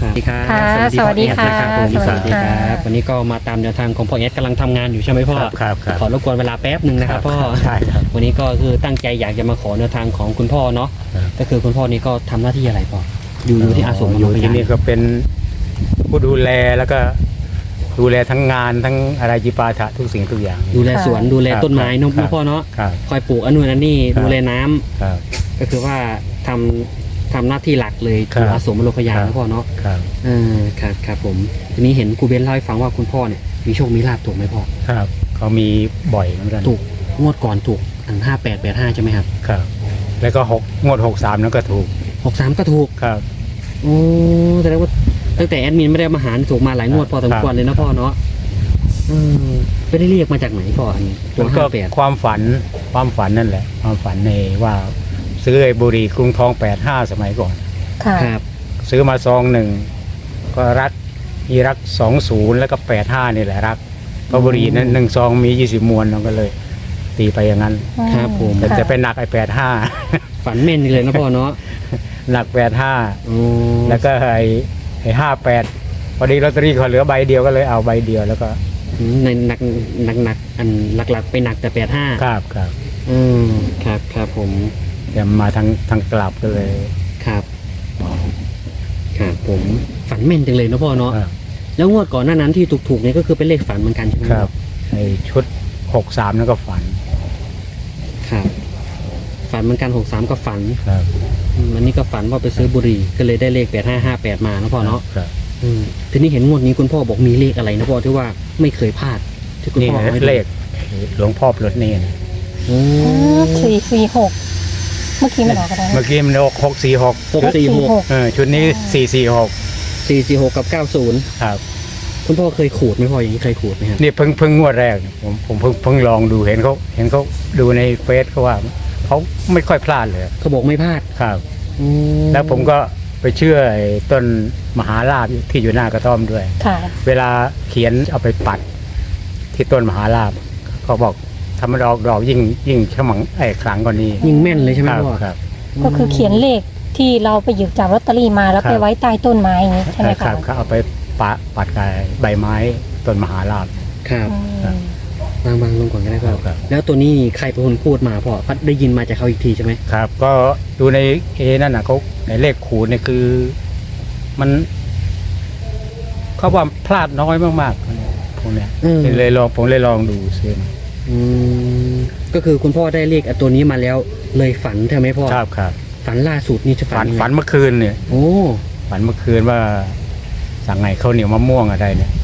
ครับสวัสดีค่ะพ่อเอสนะครับผมสวัสดีค่ะครับวันนี้ก็มาตามแนวทางของพ่อเอสกำลังทำงานอยู่ใช่ไหมพ่อครับขอรบกวนเวลาแป๊บหนึ่งนะครับพ่อใช่ครับวันนี้ก็คือตั้งใจอยากจะมาขอแนวทางของคุณพ่อเนาะครับก็คือคุณพ่อนี่ก็ทำหน้าที่อะไรพ่ออยู่ที่อาสมอยู่ที่นี่มโนพยาก็เป็นผู้ดูแลแล้วก็ดูแลทั้งงานทั้งอะไรจิปาถะทุกสิ่งทุกอย่างดูแลสวนดูแลครับต้นไม้เนอะครับพ่อเนาะครับคอยปลูกอันนู้นอันนี้ครับดูแลน้ำครับก็คือว่าทำหน้าที่หลักเลยครับอยู่อาสมมโนพยาครับนะพ่อเนาะครับครับผมทีนี้เห็นครูเบนเล่าให้ฟังว่าคุณพ่อเนี่ยมีโชคมีลาภถูกไหมพ่อครับเขามีบ่อยเหมือนกันถูกงวดก่อนถูก5885ใช่ไหมครับครับ แล้วก็งวด63นั้นก็ถูก 63ก็ถูกครับโอ้แสดงว่าตั้งแต่แอดมินไม่ได้มาหารถูกมาหลายงวดพอสมควรเลยนะพ่อเนาะไม่ได้เรียกมาจากไหนพ่ออันนี้ตัมัวนก็ 58 ความฝันนั่นแหละ ความฝันในว่าซื้อไอ้บุหรี่กรุงทอง85สมัยก่อนค่ะครับซื้อมาซองหนึ่งก็รัก20แล้วก็85นี่แหละรักเพราะบุหรี่นั้นหนึ่งซองมี20มวนเราก็เลย ตีไปอย่างนั้นครับผมแต่ค่ะจะไปหนักไอ้85 ฝันแม่นเลยนะพ่อเนาะหนัก85 โอ้แล้วก็ไอ้58พอดีลอตเตอรี่เขาเหลือใบเดียวก็เลยเอาใบเดียวแล้วก็ในหนักอันหลักๆไปหนักแต่85 ครับครับผมแต่มาทางกลับก็เลยครับผมฝันแม่นจังเลยนะพ่อเนาะครับแล้วงวดก่อนหน้านั้นที่ถูกๆเนี่ยก็คือเป็นเลขฝันเหมือนกันใช่ไหมครับไอ้ชุด63นั่นก็ฝันครับฝันเหมือนกัน63ก็ฝันครับอันนี้ก็ฝันว่าไปซื้อบุหรี่ก็เลยได้เลข8558มานะพ่อเนาะครับทีนี้เห็นงวดนี้คุณพ่อบอกมีเลขอะไรนะพ่อที่ว่าไม่เคยพลาดที่คุณนี่พ่ออาให้ดูเลขหลวงพ่อปลดหนี่นะโอ้ 446 เมื่อกี้มันออกอะไรนะเมื่อกี้มัน646 646 ชุดนี้446 446กับ90 ครับคุณพ่อเคยขูดไหมพ่ออย่างนี้เคยขูดไหมครับนี่เพิ่งงวดแรกผมเพิ่งลองดูเห็นเขาดูในเฟซเขาว่าเขาไม่ค่อยพลาดเลยเขาบอกไม่พลาดครับ แล้วผมก็ไปเชื่อไอ้ต้นมหาลาภที่อยู่หน้ากระท่อมด้วยค่ะเวลาเขียนเอาไปปัดที่ต้นมหาลาภเขาบอกทำมันออกดอกยิ่งฉมังขลังกว่านี้ยิงแม่นเลยใช่ไหมครับพ่อครับก็คือเขียนเลขที่เราไปหยิบจากลอตเตอรี่มาแล้วครับไปไว้ใต้ต้นไม้อย่างนี้ใช่ไหมคคะรับเขาเอาไปปัดกับใบไม้ต้นมหาลาภครับอืมบางลงก่อนก็ได้พ่อครับแล้วตัวนี้ใครเป็นคนพูดมาพ่อพัดได้ยินมาจากเขาอีกทีใช่ไหมครับ ก็ดูในนั่นน่ะเขาในเลขขูดเนี่ยคือ มันเขาว่าพลาดน้อยมากๆพวกเนี้ยผมเลยลองดูซื้อมาก็คือคุณพ่อได้เลขตัวนี้มาแล้ว เลยฝันใช่ไหมพ่อครับฝันล่าสุดนี่จะฝันยังไงฝันเมื่อคืนเนี่ยโอ้ฝันเมื่อคืนว่าสั่งไงข้าวเหนียวมะม่วงอะไรเนี่ย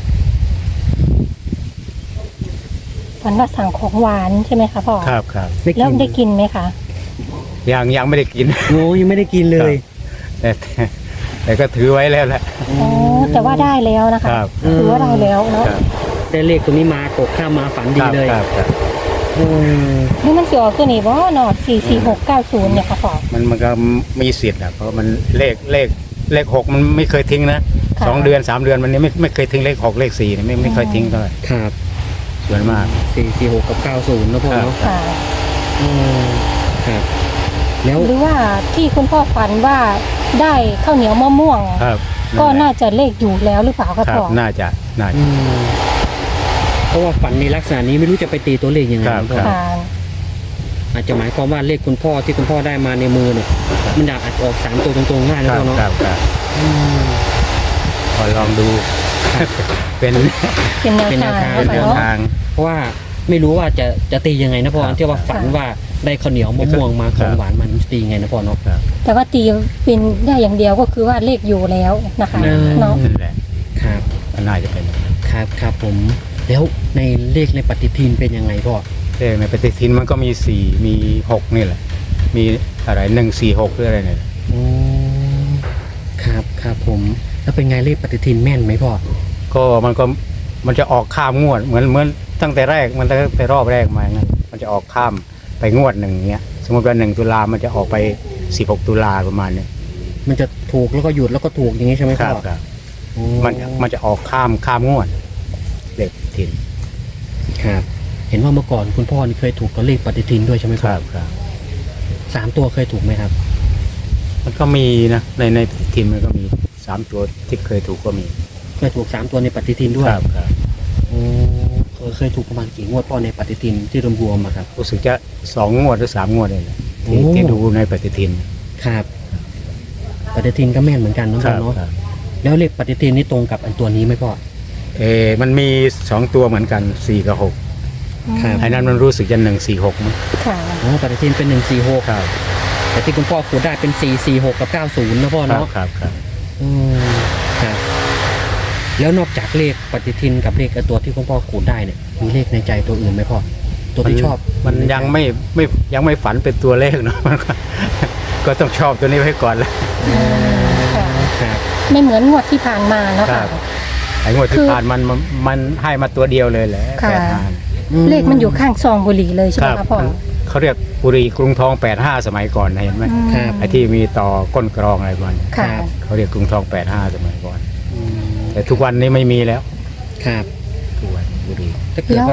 ฝันว่าสั่งของหวานใช่ไหมคะพ่อครับแล้วได้กินไหมคะยังไม่ได้กินโอ้ยังไม่ได้กินเลยแต่ก็ถือไว้แล้วแหละอ๋อ แต่ว่าได้แล้วนะคะครับถือว่าได้แล้วเนาะครับได้เลขตัวนี้มาตกข้ามมาฝันดีเลยครับอืมนี่มันสิออกตัวนี้บ่เนาะ44690เนี่ยค่ะพ่อมันก็มีสิทธิ์อ่ะเพราะมันเลข6มันไม่เคยทิ้งนะค่ะ 2 เดือน 3 เดือนมันนี้ไม่เคยทิ้งเลข6เลข4เนี่ยไม่เคยทิ้งเท่าไหร่ครับส่วนมาก 446กับ90นะพ่อเนาะค่ะอืมครับแล้วหรือว่าที่คุณพ่อฝันว่าได้ข้าวเหนียวมะม่วงครับก็น่าจะเลขอยู่แล้วหรือเปล่าคะครับพ่อน่าจะอืมเพราะว่าฝันในลักษณะนี้ไม่รู้จะไปตีตัวเลขยังไงครับนะพ่อค่ะอาจจะหมายความว่าเลขคุณพ่อที่คุณพ่อได้มาในมือเนี่ยมันอาจจะออก3ตัวตรงๆง่ายคนะรับพ่อเนาะครับอืมพอลองดู เป็นเป็นแนวทางเป็นแนนะวคะเนาะทางเพราะว่าไม่รู้ว่าจะตียังไงนะพ่อครับที่ว่าฝันว่าได้ข้าวเหนียวมะม่วงมาของหวานมันตียังไงนะพ่อเนาะครับแต่ว่าตีเป็นได้อย่างเดียวก็คือว่าเลขอยู่แล้วนะคะ เนาะนั่นแหละครับก็น่าจะเป็นครับผมแล้วในเลขในปฏิทินเป็นยังไงพ่อเลขในปฏิทินมันก็มี4มี6นี่แหละ มีอะไร146หรืออะไรเนี่ยโอ้ครับผมแล้วเป็นไงเลขปฏิทินแม่นไหมพ่อก็มันจะออกข้ามงวดเหมือนตั้งแต่แรกมันตั้งแต่รอบแรกมางั้นมันจะออกข้ามไปงวดหนึ่งเงี้ยสมมติว่า1 ตุลามันจะออกไป16 ตุลาประมาณเนี้ยมันจะถูกแล้วก็หยุดแล้วก็ถูกอย่างนี้ใช่ไหมคพ่รัอบครับโอ้มันจะออกข้ามงวดเลขปฏิทินครับเห็นว่าเมื่อก่อนคุณพ่อนี่เคยถูกตัวเลขปฏิทินด้วยใช่ไหมครับ 3 3 ตัวเคยถูกไหมครับมันก็มีนะในปฏิทินมันก็มี 3 ตัวที่เคยถูกก็มีเคยถูก3 ตัวในปฏิทินด้วยครับโอ้เคยถูกประมาณกี่งวดพ่อในปฏิทินที่รวมๆอะครับรู้สึกจะ2 งวดหรือ 3 งวดเลยแหละโอ้ที่ดูในปฏิทินครับปฏิทินก็แม่นเหมือนกันเนาะคพ่อรับเนาะครับแล้วเลขปฏิทินนี่ตรงกับอันตัวนี้ไหมพ่อมันมี2 ตัวเหมือนกัน4 กับครับ 6ไอ้นั้นมันรู้สึกจะ146มั้งค่ะอ๋อปฏิทินเป็น146 ครับแต่ที่คุณพ่อขูดได้เป็น446กับ90นะพ่อครับเนาะครับครับอืมครับแล้วนอกจากเลขปฏิทินกับเลขตัวที่คุณพ่อขูดได้เนี่ยมีเลขในใจตัวอื่นไหมพ่อตัวที่ชอบมันยังไม่ฝันเป็นตัวเลขเนาะ มันก็ต้องชอบตัวนี้ไว้ก่อนละค่ะครับไม่เหมือนงวดที่ผ่านมาเนาะครัค่ะบ ไอ้งวดที่ผ่านมันให้มาตัวเดียวเลยแหละค่ะ 85 เลขมันอยู่ข้างซองบุหรี่เลยใช่ไหมคะพ่อเขาเรียกบุรีกรุงทอง85สมัยก่อนนะเห็นไหมครับไอ้ที่มีต่อก้นกรองอะไรบ้างค่ะเขาเรียกกรุงทอง85สมัยก่อนอืมแต่ทุกวันนี้ไม่มีแล้วครับทุกวันบุรีถ้าเกิดแล้วว่า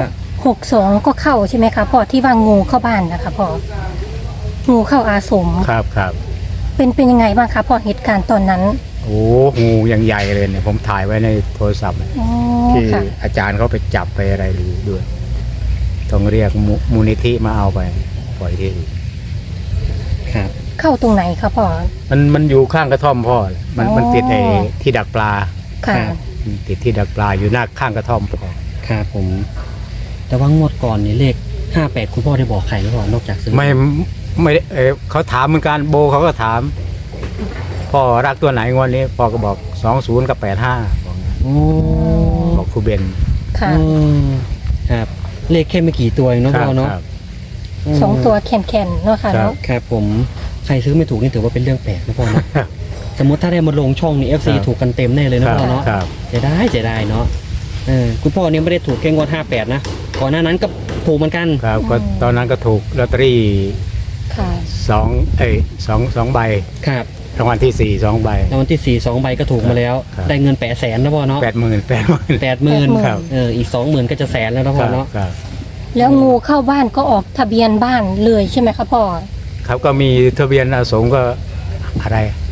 62ก็เข้าใช่ไหมคะพ่อที่ว่างูเข้าบ้านนะคะพ่องูเข้าอาสมครับครับเป็นยังไงบ้างคะพ่อเหตุการณ์ตอนนั้นโอ้งูยังใหญ่เลยเนี่ยผมถ่ายไว้ในโทรศัพท์อ๋อที่ค่ะอาจารย์เขาไปจับไปอะไรดูด้วยต้องเรียกมูลนิธิมาเอาไปปล่อยที่อื่นครับเข้าตรงไหนคะพ่อมันอยู่ข้างกระท่อมพ่อเลยมันติดไอ้ที่ดักปลาค่ะมันติดที่ดักปลาอยู่หน้าข้างกระท่อมพ่อครับผม แต่ว่างวดก่อนนี่เลข58คุณพ่อได้บอกใครหรือเปล่านอกจากซื้อไม่ได้เขาถามเหมือนกันโบเขาก็ถามพ่อรักตัวไหนงวดนี้พ่อก็บอก20กับ85บอกงั้นโอ้บอกครูเบนค่ะอืมครับ เลขแค่ไม่กี่ตัวเองเนาะพ่อเนาะครับสองตัวแข็งๆเนาะค่ะครับเนาะครับผมใครซื้อไม่ถูกนี่ถือว่าเป็นเรื่องแปลกนะพ่อเนาะ สมมติถ้าได้มาลงช่องนี่ FC ครับถูกกันเต็มแน่เลยนะพ่อเนาะครับเสียดายเนาะคุณพ่อเนี่ยไม่ได้ถูกแค่งวด58นะก่อนหน้านั้นก็ถูกเหมือนกันครับก็ตอนนั้นก็ถูกลอตเตอรี่ค่ะสองใบครับรางวัลที่ 4 2 ใบแล้ววันที่4 2 ใบก็ถูกมาแล้วครับได้เงิน800,000นะพ่อเนาะ 80,000 80,000 ครับอีก 20,000ก็จะแสนแล้วนะพ่อเนาะครับแล้วงูเข้าบ้านก็ออกทะเบียนบ้านเลยใช่ไหมคะพ่อครับก็มีทะเบียนอาสมก็อะไร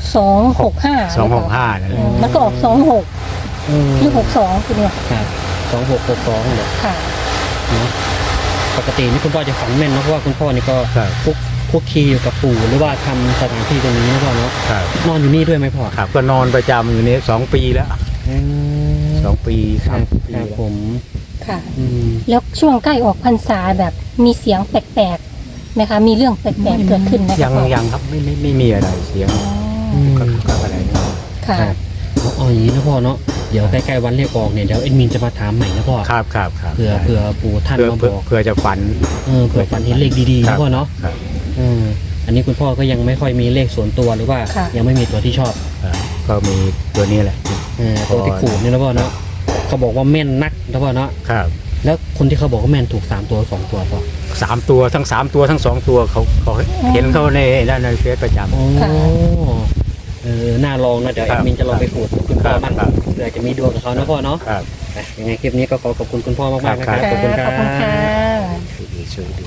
265 265นั่นแหละมันก็ออก26หรือ62คือเนี่ยครับ2662เนี่ยค่ะเนาะปกตินี่คุณพ่อจะฝันแม่นเนอะเพราะว่าคุณพ่อนี่ก็ครับคุกคีอยู่กับปู่หรือว่าทำสถานที่ตรงนี้นะพ่อเนาะครับนอนอยู่นี่ด้วยไหมพ่อครับก็นอนประจำอยู่นี่2 ปีแล้ว 2 ปีครับ 3 ปีครับแล้วผมค่ะอืมแล้วช่วงใกล้ออกพรรษาแบบมีเสียงแปลกๆไหมคะ มีเรื่องแปลกๆเกิดขึ้นไหมคะยังพ่อยังครับไม่มีอะไรเสียงอ๋อก็อะไรค่ะครับเอาอย่างนี้นะพ่อเนาะเดี๋ยวใกล้ๆวันเลขออกเนี่ยเดี๋ยวเอ็ดมินจะมาถามใหม่นะพ่อครับเผื่อปู่ท่านเพื่อมาเพื่บออกเพื่อจะฝันเผื่อฝันเห็นเลขดีๆครันะบพ่อเนาะครับอันนี้คุณพ่อก็ยังไม่ค่อยมีเลขส่วนตัวหรือว่าค่ะยังไม่มีตัวที่ชอบครับก็มีตัวนี้แหละตัวที่ขูดนี่นะพ่อเนาะเขาบอกว่าแม่นนักนะพ่อเนาะครับแล้วคนที่เขาบอกว่าแม่นถูก3 ตัว 2 ตัวพ่อ 3 ตัวทั้ง3 ตัวทั้ง 2 ตัวเขาเห็นเขาในนั่นในเฟซประจำโอ้ค่ะน่าลองนะเดี๋ยวคแอรับดมินจะลองไปขูดคุณพ่อบ้างครับเผื่อจะมีดวงกับเขานะพ่อเนาะครับยังไงคลิปนี้ก็ขอบคุณคุณพ่อมากๆนะครับครับขอบคุณคขรัอบคุณค่ะช่วยดู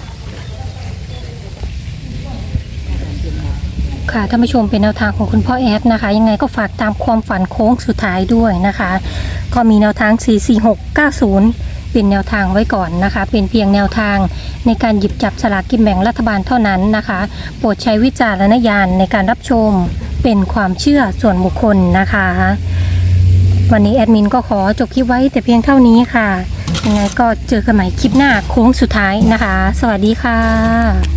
ค่ะท่านผู้ชมเป็นแนวทางของคุณพ่อแอดนะคะ ยังไงก็ฝากตามความฝันโค้งสุดท้ายด้วยนะคะ ก็มีแนวทาง 44690 เป็นแนวทางไว้ก่อนนะคะ เป็นเพียงแนวทางในการหยิบจับสลากกินแบ่งรัฐบาลเท่านั้นนะคะ โปรดใช้วิจารณญาณในการรับชมเป็นความเชื่อส่วนบุคคลนะคะ วันนี้แอดมินก็ขอจบคลิปไว้แต่เพียงเท่านี้ค่ะ ยังไงก็เจอกันใหม่คลิปหน้าโค้งสุดท้ายนะคะ สวัสดีค่ะ